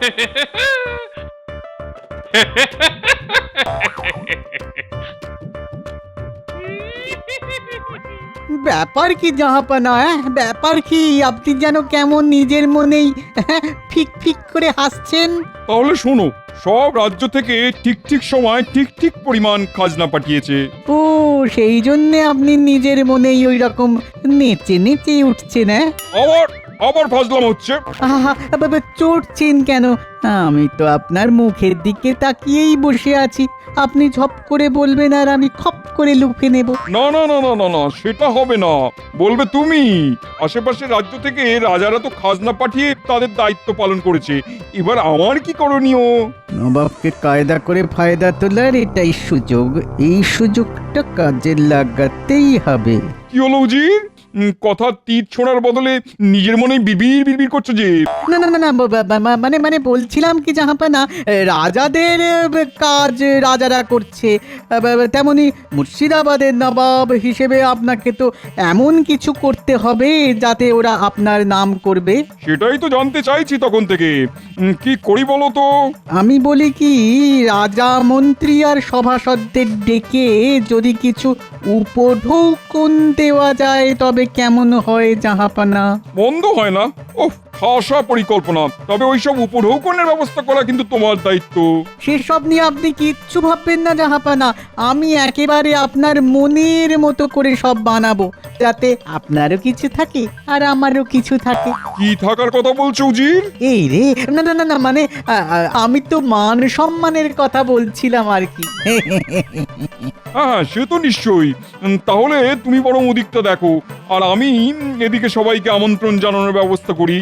ব্যাপার কি জাহাপানা, ব্যাপার কি? আপনি যেন কেমন নিজের মনেই ফিক ফিক করে হাসছেন। তাহলে শোনো, সব রাজ্য থেকে ঠিক ঠিক সময় ঠিক ঠিক পরিমাণ খাজনা পাঠিয়েছে। ও, সেই জন্যে আপনি নিজের মনেই ওই রকম নেচে নেচে উঠছেন। আবার আবার ফাজলাম হচ্ছে। আহা, বাবা চড়ছেন কেন? আমি তো আপনার মুখের দিকে তাকিয়েই বসে আছি। আপনি ঝপ করে বলবেন আর আমি খপ করে লুফে নেব। না না না না না না, সেটা হবে না। বলবে তুমি। আশেপাশের রাজ্য থেকে রাজারা তো খাজনা পাঠিয়ে তাদের দায়িত্ব পালন করেছে, এবার আমার কি করণীয়? নবাবকে কায়দা করে ফায়দা তোলার এটাই সুযোগ। এই সুযোগটা কাজে লাগাতেই হবে। কি হলো উজির? কথা তীর ছোঁড়ার বদলে নিজের মনেই বিড়বিড় বিড়বিড় করছো যে। না না না না, মানে মানে বলছিলাম কি জাহাপানা, রাজাদের কাজ রাজারা করছে, তেমনি মুর্শিদাবাদের নবাব হিসেবে আপনাকে তো এমন কিছু করতে হবে যাতে ওরা আপনার নাম করবে। সেটাই তো জানতে চাইছি তখন থেকে। কি করি বলো তো? আমি বলি কি, রাজা মন্ত্রী আর সভাসদদের ডেকে যদি কিছু উপঢৌকন দেওয়া যায় তবে কেমন হয় জাহাপানা? বন্ধ হয় না। ওহ, খাসা পরিকল্পনা। তবে ওইসব উপঢৌকনের ব্যবস্থা করা কিন্তু তোমার দায়িত্ব। সেসব নিয়ে আপনি কিচ্ছু ভাববেন না জাহাপানা। আমি একেবারে আপনার মনের মতো করে সব বানাবো, যাতে আপনারও কিছু থাকে আর আমারও কিছু থাকে। কি থাকার কথা বলছো উজির? এই রে, না না না না, মানে আমি তো মান সম্মানের কথা বলছিলাম আর কি। হ্যাঁ, সে তো নিশ্চয়ই। তাহলে তুমি বরং ওদিকটা দেখো, আর আমি এদিকে সবাইকে আমন্ত্রণ জানানোর ব্যবস্থা করি।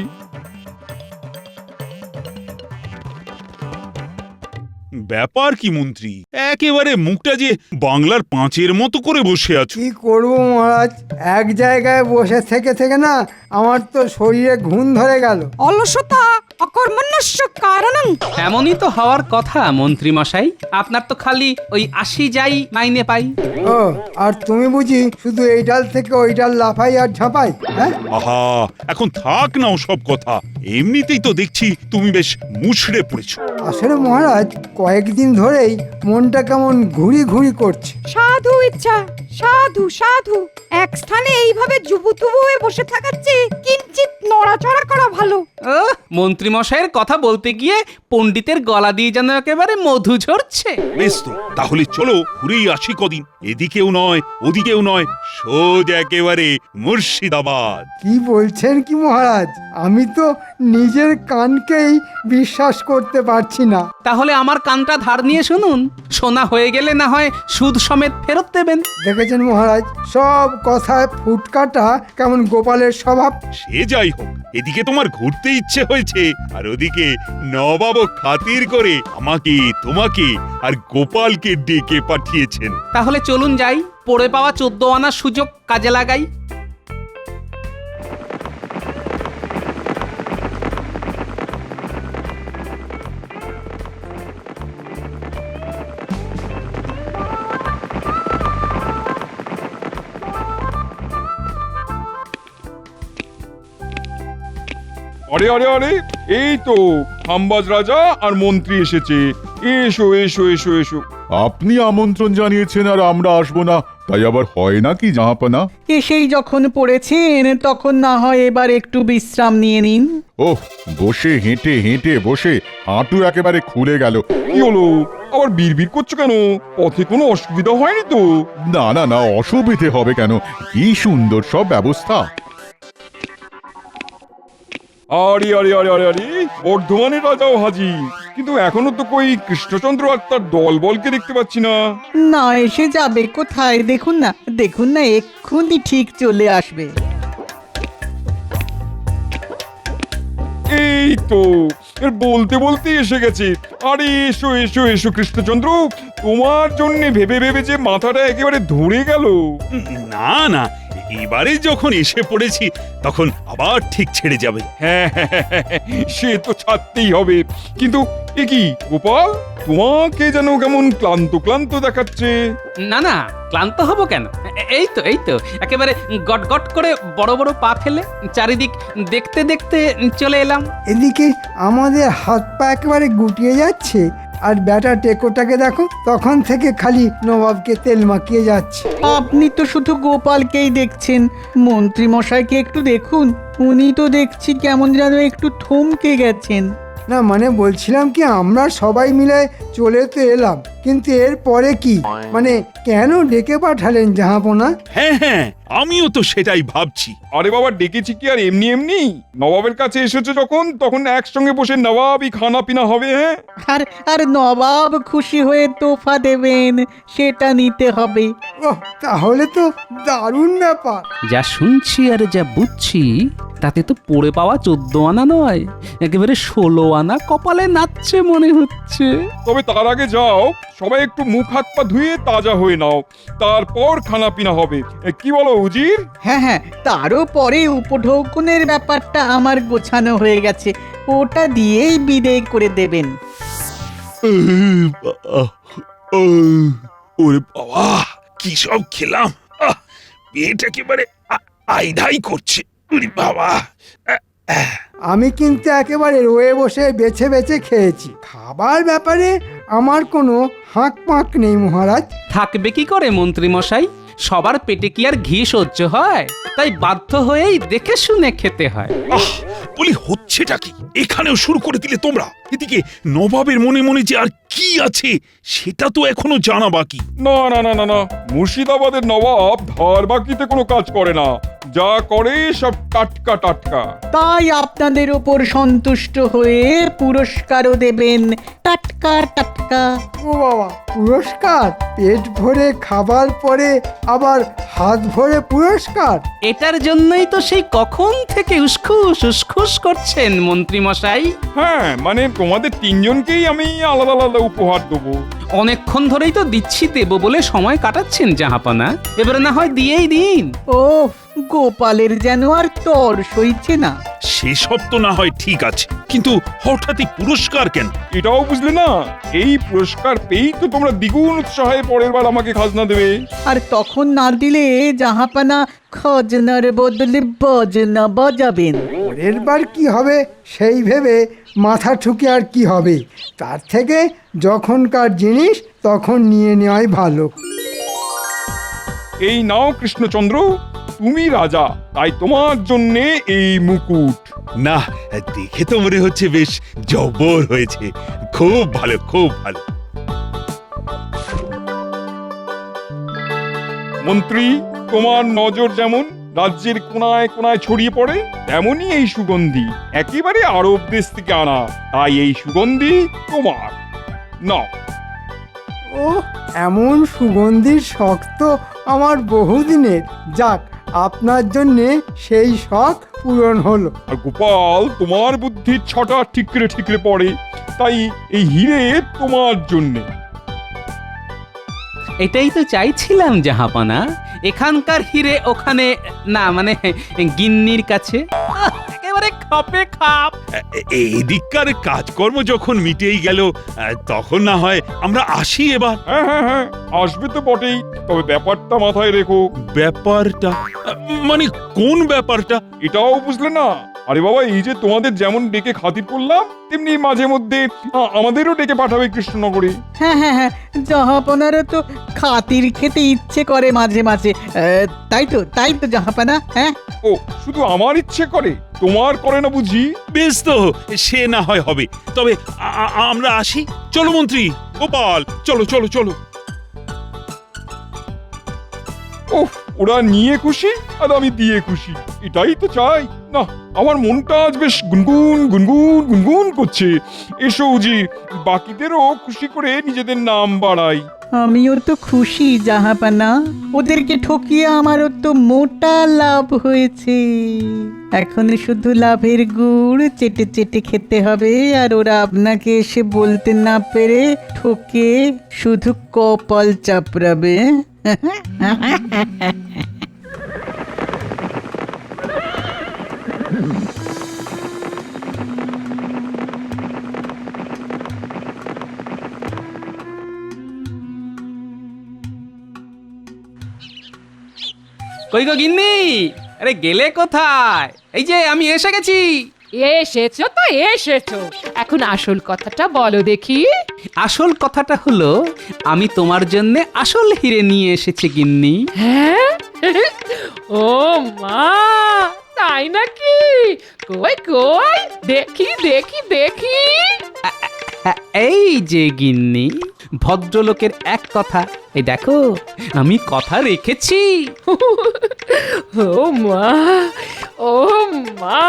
ব্যাপার কি মন্ত্রী, একেবারে মুখটা যে বাংলার পাঁচের মতো করে বসে আছো। কি করবো মহারাজ, এক জায়গায় বসে থেকে থেকে না আমার তো শরীরে ঘুম ধরে গেল। অলসতা অকর্মণ্যস্য কারণং। এমনই তো হওয়ার কথা মন্ত্রী মশাই, আপনার তো খালি ওই আসি যাই মাইনে পাই। ও, আর তুমি বুঝি শুধু এই ডাল থেকে ওই ডাল লাফাই আর ঝাঁপাই? হ্যাঁ, আহা, এখন থাক না সব কথা। এমনিতেই তো দেখছি তুমি বেশ মুষড়ে পড়েছো। আসলে মহারাজ কয়েকদিন ধরেই মনটা কেমন ঘুরি ঘুরি করছে। সাধু ইচ্ছা, সাধু সাধু। এক স্থানে এইভাবে জুবুথুবু হয়ে বসে থাকাচ্ছে কিঞ্চিত নড়াচড়া করা ভালো। মন্ত্রী মশাইয়ের কথা বলতে গিয়ে পণ্ডিতের গলা দিয়ে যেন একেবারে মধু ঝরছে। বেশ তো, তাহলে চলো ঘুরেই আসি কদিন। এদিকেও নয় ওদিকেও নয়, সোজা একেবারে মুর্শিদাবাদ। কি বলছেন কি মহারাজ, আমি তো নিজের কানকেই বিশ্বাস করতে পারছি না। তাহলে আমার কানটা ধার নিয়ে শুনুন, সোনা হয়ে গেলে না হয় সুদ সমেত ফেরত দেবেন। দেখেছেন মহারাজ, সব কথায় ফুটকাটা কেমন গোপালের স্বভাব। সে যাই হোক, এদিকে তোমার ঘুরতে ইচ্ছে হয়েছে, আর ওদিকে নবাব খাতির করে আমাকে, তোমাকে আর গোপালকে ডেকে পাঠিয়েছেন। তাহলে চলুন যাই, পড়ে পাওয়া 14 আনার সুযোগ কাজে লাগাই। আরে আরে আরে, এই তো হাম্বাজ রাজা আর মন্ত্রী এসেছে। এসো এসো এসো এসো। আপনি আমন্ত্রণ জানিয়েছেন আর আমরা আসবো না, তাই আবার হয় নাকি জাহাপানা? এসেই যখন পড়েছেন তখন না হয় এবার একটু বিশ্রাম নিয়ে নিন। ওহ, বসে হেঁটে হেঁটে বসে হাঁটু একেবারে খুলে গেল। কি হলো, আবার বিড়বিড় করছো কেন? পথে কোনো অসুবিধা হয়নি তো? না না না, অসুবিধে হবে কেন? কি সুন্দর সব ব্যবস্থা। আরে আরে আরে আরে আরে, বর্ধমানের রাজাও হাজির, কিন্তু এখনো তো কই কৃষ্ণচন্দ্র আর তার দলবলকে দেখতে পাচ্ছি না। না, এসে যাবে কোথায়? দেখুন না, দেখুন না, এক্ষুনি ঠিক চলে আসবে। এই তো, এর বলতে বলতে এসে গেছে। আরে এসো এসো এসো কৃষ্ণচন্দ্র, তোমার জন্য ভেবে ভেবে যে মাথাটা একেবারে ধরে গেল। না না, এবারে যখন এসে পড়েছি তখন আবার ঠিক ছেড়ে যাবে। হ্যাঁ, সে তো ছাড়তেই হবে। কিন্তু এ কি গোপাল, তোমাকে যেন কেমন ক্লান্ত ক্লান্ত দেখাচ্ছে। না না, ক্লান্ত হব কেন? এই তো একেবারে গট গট করে বড় বড় পা ফেলে চারিদিক দেখতে দেখতে চলে এলাম। এদিকে আমাদের হাত পা একেবারে গুটিয়ে যাচ্ছে, আর ব্যাটা টেকোটাকে দেখো, তখন থেকে খালি নবাবকে তেল মাখিয়ে যাচ্ছে। আপনি তো শুধু গোপালকেই দেখছেন, মন্ত্রী মশাইকে একটু দেখুন, উনি তো দেখছি কেমন যেন একটু থমকে গেছেন। না মানে বলছিলাম কি, আমরা সবাই মিলে চলে তো এলাম, কিন্তু এর পরে কি, মানে কেন ডেকে পাঠালেন জাহাপনা? হ্যাঁ, আমিও তো সেটাই ভাবছি। আরে বাবা, ডেকেছি কি আর এমনি এমনি? নবাবের কাছে এসেছে যখন, তখন একসঙ্গে বসে নবাবই খানা পিনা হবে। হ্যাঁ, আর নবাব খুশি হয়ে তোফা দেবেন, সেটা নিতে হবে। ওহ, তাহলে তো দারুণ ব্যাপার। যা শুনছি আর যা বুঝছি তাতে তো পড়ে পাওয়া 14 আনা নয়, একেবারে 16 আনা কপালে নাচছে মনে হচ্ছে। তবে তার আগে যাও, সবাই একটু মুখ হাত পা ধুয়ে তাজা হয়ে নাও, তারপর খানা পিনা হবে। কি বলো উজির? হ্যাঁ, তারও পরে উপঢৌকনের ব্যাপারটা আমার গোছানো হয়ে গেছে, ওটা দিয়েই বিদায় করে দেবেন। ওরে বাবা, কি সব খেলাম! পেট একেবারে আইধাই করছে। ওরে বাবা! আমি কিন্তু একেবারে রয়ে বসে বেছে বেছে খেয়েছি, খাবার ব্যাপারে আমার কোনো হাঁক পাঁক নেই মহারাজ। থাকবে কি করে মন্ত্রী মশাই? সবার পেটে কি আর ঘি সহ্য হয়? তাই বাধ্য হয়েই দেখে শুনে খেতে হয়। বলি হচ্ছেটা কি? এখানেও শুরু করে দিলে তোমরা। এদিকে নবাবের মনে মনে যে আর কি আছে সেটা তো এখনো জানা বাকি। না না না না না, মুর্শিদাবাদের নবাব ধার বাকিতে কোনো কাজ করে না, যা করে সব টাটকা টাটকা। তাই আপনাদের ওপর সন্তুষ্ট হয়ে পুরস্কারও দেবেন, টাটকা টাটকা। ও বাবা, পুরস্কার? পেট ভরে খাবার পরে আবার হাত ভরে পুরস্কার? এটার জন্যই তো সেই কখন থেকে উসখুস উসখুস করছেন মন্ত্রী মশাই। হ্যাঁ, মানে তোমাদের তিনজনকেই আমি আলাদা আলাদা উপহার দেবো। অনেকক্ষণ ধরেই তো দিচ্ছি দেবো বলে সময় কাটাচ্ছেন জাহাপানা, এবারে না হয় দিয়েই দিন। ও গোপালের যেন আর তর সইছে না। সেসব তো না হয় ঠিক আছে, কিন্তু হঠাৎই পুরস্কার কেন? এটাও বুঝলে না? এই পুরস্কার পেয়েই তো তোমরা দ্বিগুণ উৎসাহে পরের বার আমাকে খাজনা দেবে। আর তখন না দিলে জাহাপানা খজনার বদলে বজনা বাজাবেন। পরের বার কি হবে সেই ভেবে মাথা ঠুকে আর কি হবে, তার থেকে যখনকার জিনিস তখন নিয়ে নেওয়াই ভালো। এই নাও কৃষ্ণচন্দ্র, তুমি রাজা, তাই তোমার জন্যে এই মুকুট। না, দেখে তো মনে হচ্ছে বেশ জব্বর হয়েছে। খুব ভালো, খুব ভালো। মন্ত্রী, তোমার নজর যেমন রাজ্যের কোনায় কোনায় ছড়িয়ে পড়ে, তেমনি এই সুগন্ধি একেবারে আরব দেশ থেকে আনা, তাই এই সুগন্ধি তোমার। নাও। ও, এমন সুগন্ধির শখ তো আমার বহুদিনের। যাক, আপনার জন্যে সেই শখ পূরণ হলো। আর গোপাল, তোমার বুদ্ধির ছটা ঠিকরে ঠিকরে পড়ে, তাই এই হিরে তোমার জন্যে। এটাই তো চাইছিলাম জাহাপানা, এখানকার হিরে ওখানে না, মানে গিন্নির কাছে। একেবারে খাপে খাপ। এদিককার কাজকর্ম যখন মিটেই গেল, তখন না হয় আমরা আসি এবার। হ্যাঁ, আসবে তো বটেই, তবে ব্যাপারটা মাথায় রেখো। ব্যাপারটা? মানে কোন ব্যাপারটা? এটাও বুঝলে না? আরে বাবা, এই যে তোমাদের যেমন ডেকে খাতির করলাম, তেমনি মাঝে মধ্যে আমাদেরও ডেকে পাঠাবে কৃষ্ণনগরে। হ্যাঁ, জাহাপানারও তো খাতির খেতে ইচ্ছে করে মাঝে মাঝে, তাই তো জাহাপানা। হ্যাঁ, ও, শুধু আমার ইচ্ছে করে, তোমার করে না বুঝি? বেশ তো, সে না হয় হবে। তবে আমরা আসি। চলো মন্ত্রী, গোপাল, চলো চলো চলো। ওহ, ওরা নিয়ে খুশি আর আমি দিয়ে খুশি, এটাই তো চাই। না, আমার মনটা আজ বেশ গুনগুন গুনগুন গুনগুন করছে। এসো উজি, বাকিদেরও খুশি করে নিজেদের নাম বাড়াই। আমিও তো খুশি জাহাপানা, ওদেরকে ঠকিয়ে আমারও তো মোটা লাভ হয়েছে। এখন শুধু লাভের গুড় চেটে চেটে খেতে হবে, আর ওরা আপনাকে এসে বলতে না পেরে ঠকে শুধু কপাল চাপড়াবে। কই গো গিন্নি, আরে গেলে কোথায়? এই যে আমি এসে গেছি। এসেছো তো এসেছো, এখন আসল কথাটা বলো দেখি। আসল কথাটা হলো আমি তোমার জন্য আসল হিরে নিয়ে এসেছি গিন্নি। হ্যাঁ? ও মা, তাই নাকি? কই কই, দেখি দেখি দেখি। এই যে গিন্নি, ভদ্রলোকের এক কথা, এই দেখো আমি কথা রেখেছি। ও মা, ও মা,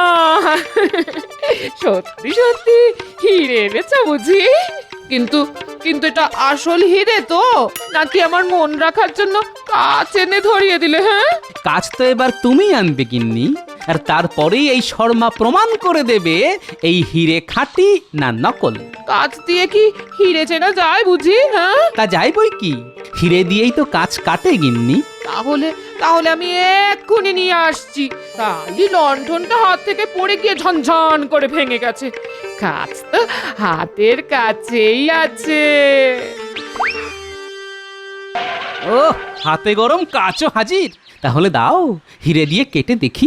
সত্যি সত্যি হিরে এনেছো বুঝি? কিন্তু কিন্তু এটা আসল হিরে তো, নাকি আমার মন রাখার জন্য কাচ এনে ধরিয়ে দিলে? হ্যাঁ, কাজ তো এবার তুমি আনবে গিন্নি, আর তারপরেই এই শর্মা প্রমাণ করে দেবে এই হিরে খাঁটি না নকল। কাচ দিয়ে কি হিরে চেনা যায় বুঝি? হ্যাঁ, তা যাই বই কি, হিরে দিয়েই তো কাজ কাটে গিন্নি। তাহলে তাহলে আমি এক্ষুনি নিয়ে আসছি। তাই লণ্ঠনটা হাত থেকে পড়ে গিয়ে ঝনঝন করে ভেঙে গেছে। কাজ তো হাতের কাছেই আছে। ও, হাতে গরম কাচও হাজির। তাহলে দাও, হিরে দিয়ে কেটে দেখি।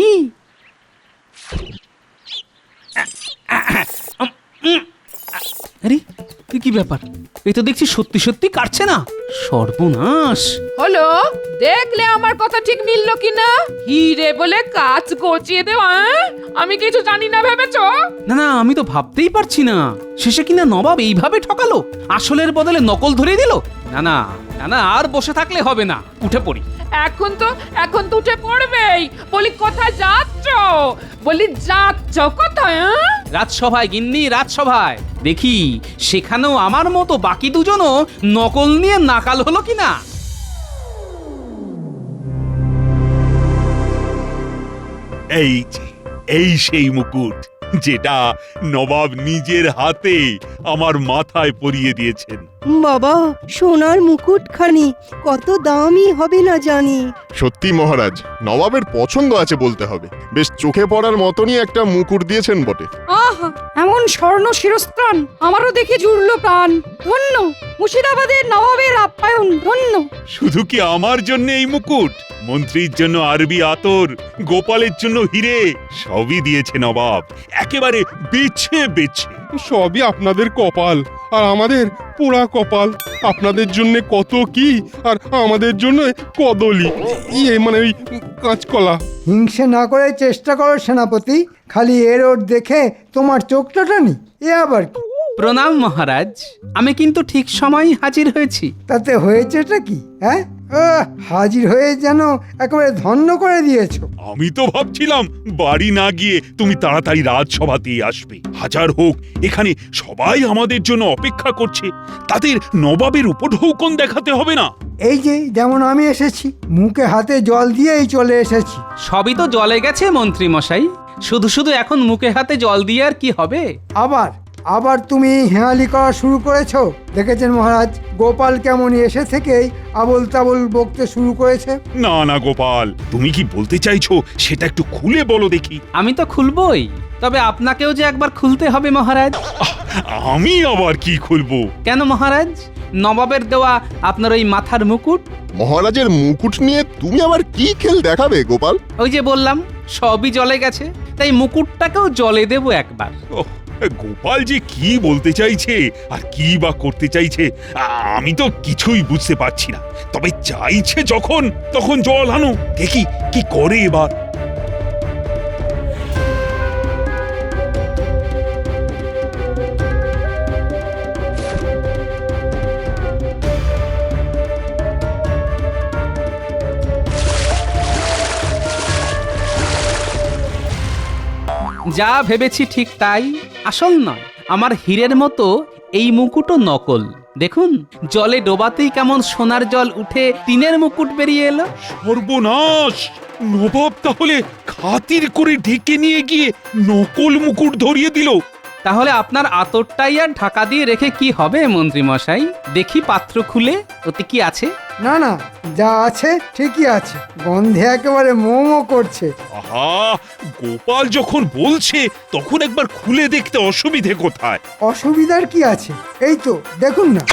আরে এ কি ব্যাপার? এই তো দেখছি সত্যি সত্যি কাটছে না। সর্বনাশ! হলো, দেখলে আমার কথা ঠিক মিললো কিনা? হিরে বলে কাজ গচিয়ে দেওয়া, হ্যাঁ? আমি কিছু জানি না ভেবেছো? না না, আমি তো ভাবতেই পারছি না, শেষে কিনা নবাব এইভাবে ঠকালো, আসলের বদলে নকল ধরিয়ে দিল। না না না না, আর বসে থাকলে হবে না, উঠে পড়ি। এখন তো উঠে পড়বেই। বলি কোথায় যাচ্ছ? বলি যাচ্ছ কোথায়? হ্যাঁ? রাজসভায় গিন্নি, রাজসভায়। দেখি সেখানেও আমার মতো বাকি দুজনও নকল নিয়ে নাকাল হলো কিনা। এই যে, এই সেই মুকুট যেটা নবাব নিজের হাতে আমার মাথায় পরিয়ে দিয়েছেন। বাবা, সোনার মুকুটখানি কত দামি হবে না জানি। সত্যি মহারাজ, নবাবের পছন্দ আছে বলতে হবে। বেশ চোখে পড়ার মতনই একটা মুকুট দিয়েছেন বটে। আহা, এমন স্বর্ণ শিরস্ত্রাণ আমারও দেখে জুড়লো প্রাণ। ধন্য মুর্শিদাবাদের নবাবের আপ্যায়ন, ধন্য। শুধু কি আমার জন্য এই মুকুট? মন্ত্রীর জন্য আরবি আতর, গোপালের জন্য হিরে, সবই দিয়েছে নবাব, একেবারে বেছে বেছে। সবই আপনাদের কপাল, আর আমাদের পোড়া কপাল। আপনাদের জন্য কত কি, আর আমাদের জন্য কদলি, মানে ওই কাঁচকলা। হিংসে না করে চেষ্টা করো সেনাপতি, খালি এর ওর দেখে তোমার চোখটা টানি। এ আবার কি? প্রণাম মহারাজ, আমি কিন্তু ঠিক সময়ই হাজির হয়েছি। তাতে হয়েছেটা কি? হ্যাঁ, হাজির হয়ে যেন একেবারে ধন্য করে দিয়েছো। আমি তো ভাবছিলাম বাড়ি না গিয়ে তুমি তাড়াতাড়ি রাজসভাতেই আসবে। হাজার হোক, এখানে সবাই আমাদের জন্য অপেক্ষা করছে, তাদের নবাবের উপঢৌকন দেখাতে হবে না? এই যে যেমন আমি এসেছি, মুখে হাতে জল দিয়েই চলে এসেছি। সবই তো জলে গেছে মন্ত্রী মশাই, শুধু শুধু এখন মুখে হাতে জল দিয়ে আর কি হবে? আবার তুমি হেঁয়ালি করা শুরু করেছো। দেখেছেন মহারাজ, গোপাল কেমন এসে থেকেই আবল তাবল বকতে শুরু করেছে। না না গোপাল, তুমি কি বলতে চাইছো সেটা একটু খুলে বলো দেখি। আমি তো খুলবই, তবে আপনাকেও যে একবার খুলতে হবে মহারাজ। আমি আবার কি খুলবো? কেন মহারাজ, নবাবের দেওয়া আপনার ওই মাথার মুকুট। মহারাজের মুকুট নিয়ে তুমি আবার কি খেল দেখাবে গোপাল? ওই যে বললাম সবই জলে গেছে, তাই মুকুটটাকেও জলে দেব একবার। ওহ, গোপাল যে কি বলতে চাইছে আর কি বা করতে চাইছে আমি তো কিছুই বুঝতে পারছি না। তবে চাইছে যখন, তখন জল আনো, দেখি কি করে এবার। যা ভেবেছি ঠিক তাই, আসল নয়। আমার হীরের মতো এই মুকুটও নকল। দেখুন, জলে ডোবাতেই কেমন সোনার জল উঠে টিনের মুকুট বেরিয়ে এলো। সর্বনাশ! নবাব তাহলে খাতির করে ঢেকে নিয়ে গিয়ে নকল মুকুট ধরিয়ে দিল। তাহলে আপনার আতরটাই আর ঢাকা দিয়ে রেখে কি হবে মন্ত্রী মশাই? দেখি পাত্র খুলে ওতে কি আছে। না না, যা আছে ঠিকই আছে, গন্ধে একেবারে মোমো করছে। আহা, গোপাল যখন বলছে তখন একবার খুলে দেখতে অসুবিধে কোথায়? অসুবিধার কি আছে? এই তো দেখুন না।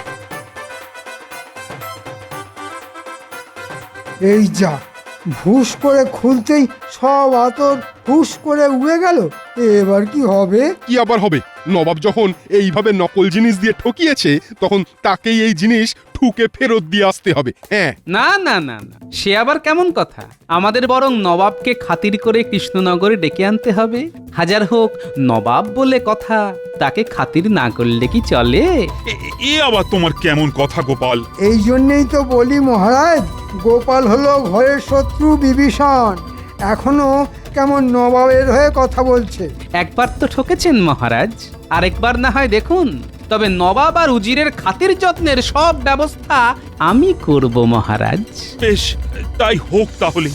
এই যা, ভুস করে খুলতেই সব আতর হুস করে উড়ে গেল। এবার কি হবে? কি আবার হবে? নবাব যখন এইভাবে নকল জিনিস দিয়ে ঠকিয়েছে তখন তাকেই এই জিনিস ঠুকে ফেরত দিয়ে আসতে হবে। হ্যাঁ, না না না না, সে আবার কেমন কথা? আমাদের বরং নবাবকে খাতির করে কৃষ্ণনগরে ডেকে আনতে হবে। হাজার হোক নবাব বলে কথা, তাকে খাতির না করলে কি চলে? এ আবার তোমার কেমন কথা গোপাল? এই জন্যেই তো বলি মহারাজ, গোপাল হলো ঘরের শত্রু বিভীষণ, এখনো কেমন নবাবের হয়ে কথা বলছে। একবার তো ঠকেছেন মহারাজ, আরেকবার না হয় দেখুন। তবে নবাব আর উজিরের খাতির যত্নের সব ব্যবস্থা আমি করব মহারাজ। বেশ, তাই হোক তাহলে।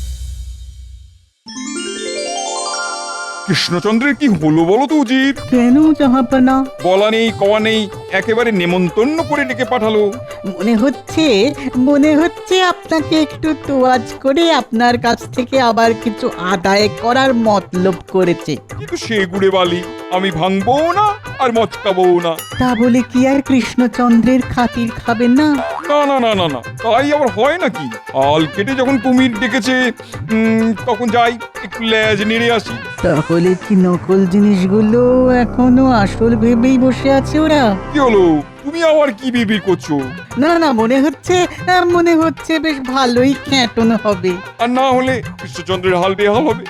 কৃষ্ণচন্দ্রের কি হলো বলো তো উজির? কেন জাহাপনা? বলা নেই কওয়া নেই, একেবারে নেমন্তন্ন করে ডেকে পাঠালো। মনে হচ্ছে আপনাকে একটু তোয়াজ করে আপনার কাছ থেকে আবার কিছু আদায় করার মতলব করেছে। কিন্তু সে গুড়ে বালি, আমি ভাঙবো না আর মচকাবো না। তা বলে কি আর কৃষ্ণচন্দ্রের খাতির খাবেন না? না না না না না, তাই আবার হয় নাকি? আল কেটে যখন কুমির ডেকেছে তখন যাই একটু লেজ নেড়ে আসি। তাহলে কি নকল জিনিসগুলো এখনো আসল ভেবেই বসে আছে ওরা? কি হলো, তুমি আবার কি বিবির করছো? না না, মনে হচ্ছে বেশ ভালোই খ্যাটন হবে। আর না হলে কৃষ্ণচন্দ্রের হাল বেহাল হবে।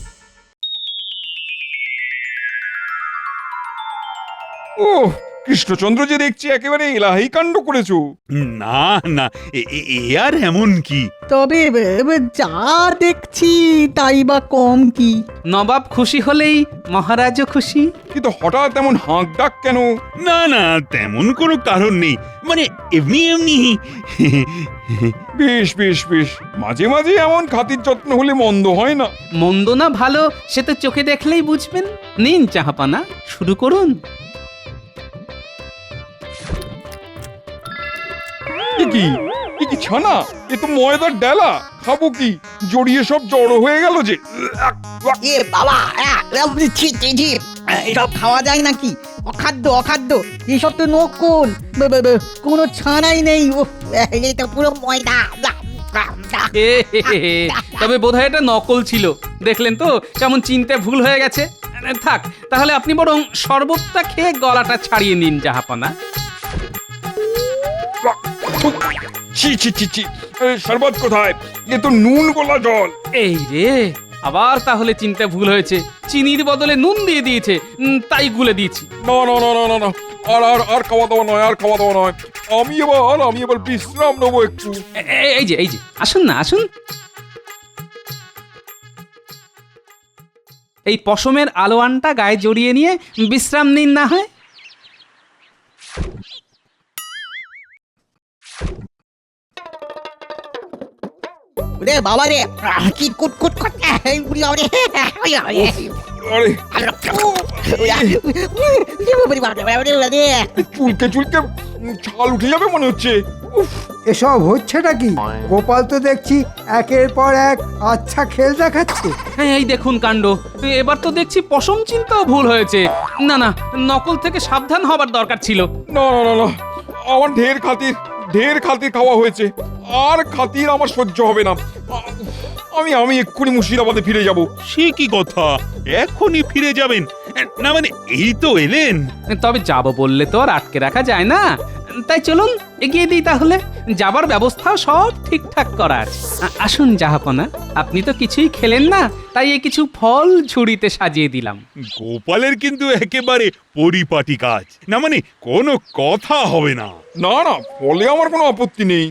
ও কৃষ্ণচন্দ্র যে দেখছি একেবারে এলাহি কাণ্ড করেছো। না না, এ আর এমন কি? তবে যা দেখছি তাই বা কম কি? নবাব খুশি হলেই মহারাজও খুশি। কিন্তু হঠাৎ এমন হাঁক ডাক কেন? না না, তেমন কোনো কারণ নেই, মানে এমনি এমনি। বেশ বেশ বেশ, মাঝে মাঝে এমন খাতির যত্ন হলে মন্দ হয় না। মন্দ না ভালো সে তো চোখে দেখলেই বুঝবেন। নিন চাহাপানা, শুরু করুন। কি ছানা, এ তো ময়দার ডালা, খাবো কি? জড়িয়ে সব জড়ো হয়ে গেল যে। এ বাবা, এসব খাওয়া যায় নাকি? অখাদ্য এসব তো নকল, কোনো ছানাই নেই। এটা পুরো ময়দা। তবে বোধহয় এটা নকল ছিল, দেখলেন তো কেমন চিনতে ভুল হয়ে গেছে। থাক, তাহলে আপনি বরং শরবতটা খেয়ে গলাটা ছাড়িয়ে নিন জাহাপানা। ছি ছি ছি ছি, শরবত কোথায়? এ তো নুন গলা জল। এই রে, আবার তাহলে চিনতে ভুল হয়েছে, চিনির বদলে নুন দিয়ে দিয়েছে, তাই গুলে দিয়েছি। না না না না না না, আর খাওয়া দাওয়া নয়, আর খাওয়া দাওয়া নয়। আমি এবার বিশ্রাম নেবো একটু। এই যে আসুন না, আসুন। এই পশমের আলোয়ানটা গায়ে জড়িয়ে নিয়ে বিশ্রাম নিন না হয়। রে বাবা রে, কি কুটকুট করতে চুলকে ছাল উঠে যাবে মনে হচ্ছে। এসব হচ্ছেটা কি? গোপাল তো দেখছি একের পর এক আচ্ছা খেল দেখাচ্ছে। হ্যাঁ, এই দেখুন কাণ্ড, এবার তো দেখছি পশম চিন্তাও ভুল হয়েছে। না না, নকল থেকে সাবধান হবার দরকার ছিল। না না না না, আমার ঢের খাতির খাওয়া হয়েছে, আর খাতির আমার সহ্য হবে না। আমি এক্ষুনি মুর্শিদাবাদে ফিরে যাব। সে কি কথা, এখনই ফিরে যাবেন? না মানে এই তো এলেন। তবে যাব বললে তো আর আটকে রাখা যায় না, তাই চলুন এগিয়ে দিই তাহলে। যাবার ব্যবস্থা সব ঠিকঠাক করা আছে। আসুন জাহাপনা, আপনি তো কিছুই খেলেন না, তাই এই কিছু ফল ঝুড়িতে সাজিয়ে দিলাম। গোপালের কিন্তু একেবারে পরিপাটি কাজ, না মানে কোনো কথা হবে না। না না, ফলে আমার কোনো আপত্তি নেই।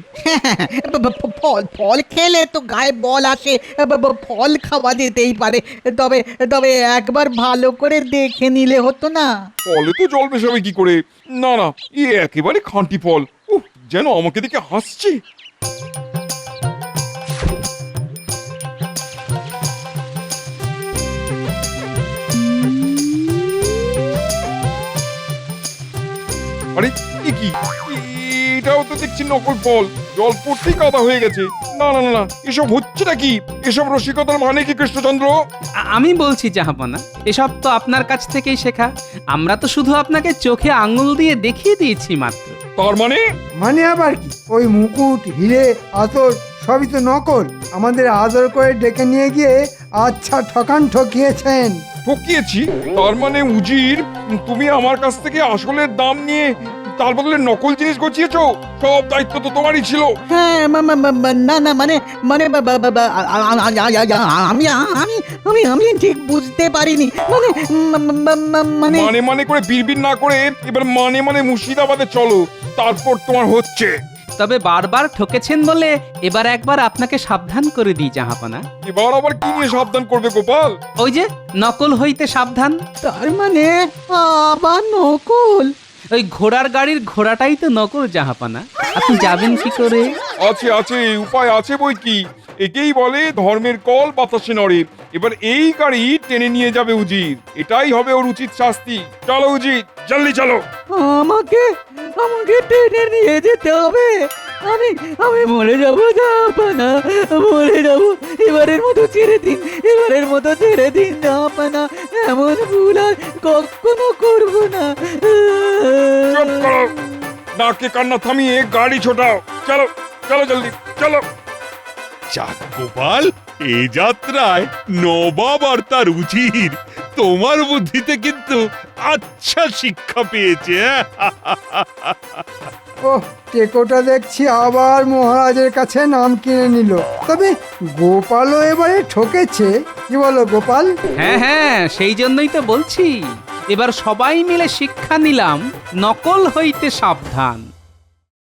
ফল খেলে তো গায়ে বল আসে, ফল খাওয়া যেতেই পারে। তবে একবার ভালো করে দেখে নিলে হতো না? ফলে তো জল মেশাবে কি করে? না না, একেবারে খাঁটি ফল। যেন আমাকে দেখে হাসছে। আরে এ কি এটাও তো দেখছি নকল ফল, জল পড়তেই কাদা হয়ে গেছে। না না না না, এসব হচ্ছে নাকি? এসব রসিকতার মানে কি কৃষ্ণচন্দ্র? আমি বলছি জাহাপনা, এসব তো আপনার কাছ থেকেই শেখা। আমরা তো শুধু আপনাকে চোখে আঙুল দিয়ে দেখিয়ে দিয়েছি মাত্র। তার মানে? মানে আবার কি? ওই মুকুট, হিরে, আতর সবই তো নকল। আমাদের আদর করে ডেকে নিয়ে গিয়ে আচ্ছা ঠকিয়েছেন। ঠকিয়েছি? তার মানে উজির, তুমি আমার কাছ থেকে আসলের দাম নিয়ে তার বদলে নকল জিনিস গছিয়েছো? সব দায়িত্ব তো তোমারই ছিল। হ্যাঁ না না মানে মানে আমি আমি আমি আমি ঠিক বুঝতে পারিনি। মানে মানে মানে মানে করে বিড়বিড় না করে এবার মানে মানে মুর্শিদাবাদে চলো, তারপর তোমার হচ্ছে। তবে বারবার ঠকেছেন বলে এবার একবার আপনাকে সাবধান করে দিই জাহাপনা। এবার আবার কি নিয়ে সাবধান করবে গোপাল? ওই যে নকল হইতে সাবধান। তার মানে আবার নকল? ওই ঘোড়ার গাড়ির ঘোড়াটাই তো নকল জাহাপনা। আপনি যাবেন কি করে? আছে আছে, উপায় আছে বই কি। একেই বলে ধর্মের কল বাতাসে নড়ে। এবার এই গাড়ি টেনে নিয়ে যাবে উজির, এটাই হবে ওর উচিত শাস্তি। চলো উজির, জলদি চলো। আমাকে আমাকে টেনে নিয়ে যেতে হবে? আমি আমি মরে যাবো জাহাপনা, মরে যাবো। এবারের মতো ছেড়ে দিন, এবারের মতো ছেড়ে দিন জাহাপনা। এমন ভুল আর কখনো করবো না। চুপ করো, নাকে কান্না থামিয়ে গাড়ি ছোটাও। চলো চলো জলদি চলো। যাক গোপাল, এই যাত্রায় নবাব আর তার উজির তোমার বুদ্ধিতে কিন্তু আচ্ছা শিক্ষা পেয়েছে। ও টেকোটা দেখছি আবার মহারাজের কাছে নাম কিনে নিল। তবে গোপালও এবারে ঠকেছে, কি বলো গোপাল? হ্যাঁ হ্যাঁ, সেই জন্যই তো বলছি এবার সবাই মিলে শিক্ষা নিলাম, নকল হইতে সাবধান।